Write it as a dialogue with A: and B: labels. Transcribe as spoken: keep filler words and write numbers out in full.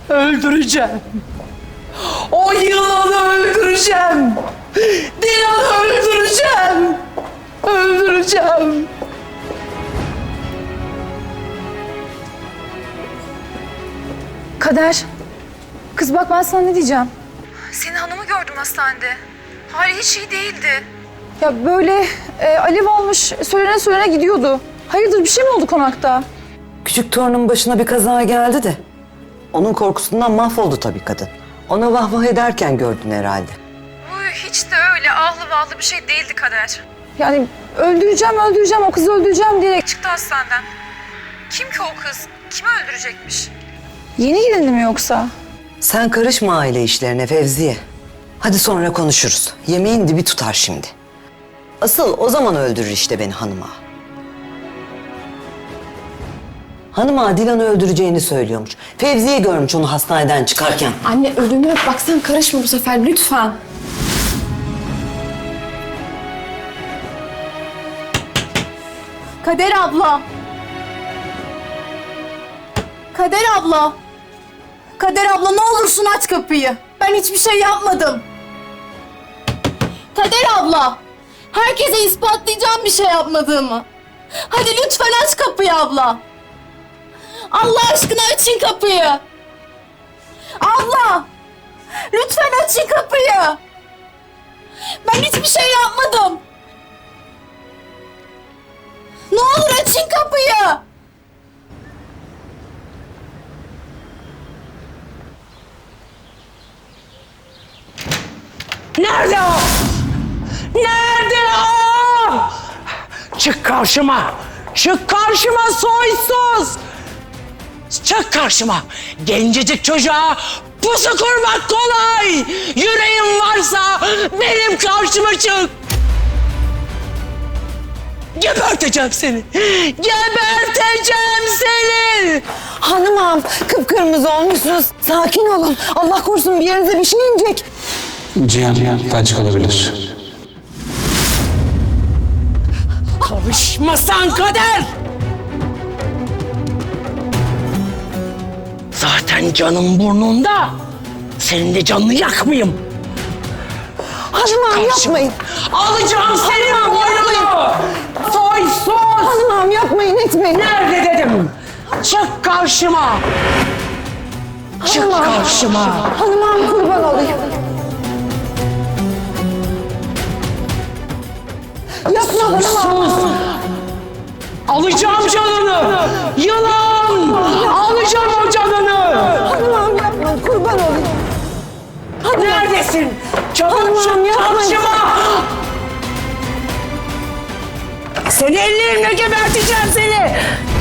A: öldüreceğim. O yılanı öldüreceğim. Dilan'ı öldüreceğim. Öldüreceğim.
B: Kader. Kız bak ben sana ne diyeceğim. Senin hanımı gördüm hastanede. Hali hiç iyi değildi. Ya böyle e, alev almış söylene söylene gidiyordu. Hayırdır bir şey mi oldu konakta?
C: Küçük torunun başına bir kaza geldi de. Onun korkusundan mahvoldu tabii kadın. Ona vah vah ederken gördün herhalde.
B: Uy, hiç de öyle ahlı vahlı bir şey değildi Kader. Yani öldüreceğim öldüreceğim o kızı öldüreceğim diyerek çıktı hastaneden. Kim ki o kız? Kimi öldürecekmiş? Yeni gelindi mi yoksa?
C: Sen karışma aile işlerine Fevziye. Hadi sonra konuşuruz. Yemeğin dibi tutar şimdi. Asıl o zaman öldürür işte beni hanıma. Hanıma Dilan'ı öldüreceğini söylüyormuş. Fevziye görmüş onu hastaneden çıkarken.
D: Anne ölümü bak sen karışma bu sefer lütfen. Kader abla. Kader abla. Kader abla ne olursun aç kapıyı. Ben hiçbir şey yapmadım. Kader abla. Herkese ispatlayacağım bir şey yapmadığımı. Hadi lütfen aç kapıyı abla. Allah aşkına açın kapıyı. Abla! Lütfen açın kapıyı. Ben hiçbir şey yapmadım. Ne olur açın kapıyı.
A: Nerede o? Nerede o? Çık karşıma. Çık karşıma soysuz. Çık karşıma. Gencecik çocuğa pusu kurmak kolay. Yüreğin varsa benim karşıma çık. Geberteceğim seni. Geberteceğim seni.
C: Hanımam kıpkırmızı olmuşsunuz. Sakin olun. Allah korusun bir yerinize bir şey inecek.
E: Cihan, felç kalabilir.
A: Karışmasan Kader. Zaten canım burnunda. Senin de canını yakmayayım.
C: Hanımam yapmayın.
A: Alacağım senin boynunu. Soysuz.
C: Hanımam yapmayın etmeyin.
A: Nerede dedim? Çık karşıma. Çık karşıma.
C: Hanımam kurban olayım. Yapma hanımam.
A: Sus. Alacağım canını. Yılan. Alacağım o canını.
C: Hanımam yapma kurban olayım.
A: Neredesin? Çabuk
C: Hanımam,
A: çık
C: yapmayın.
A: karşıma. Seni ellerimle geberteceğim seni.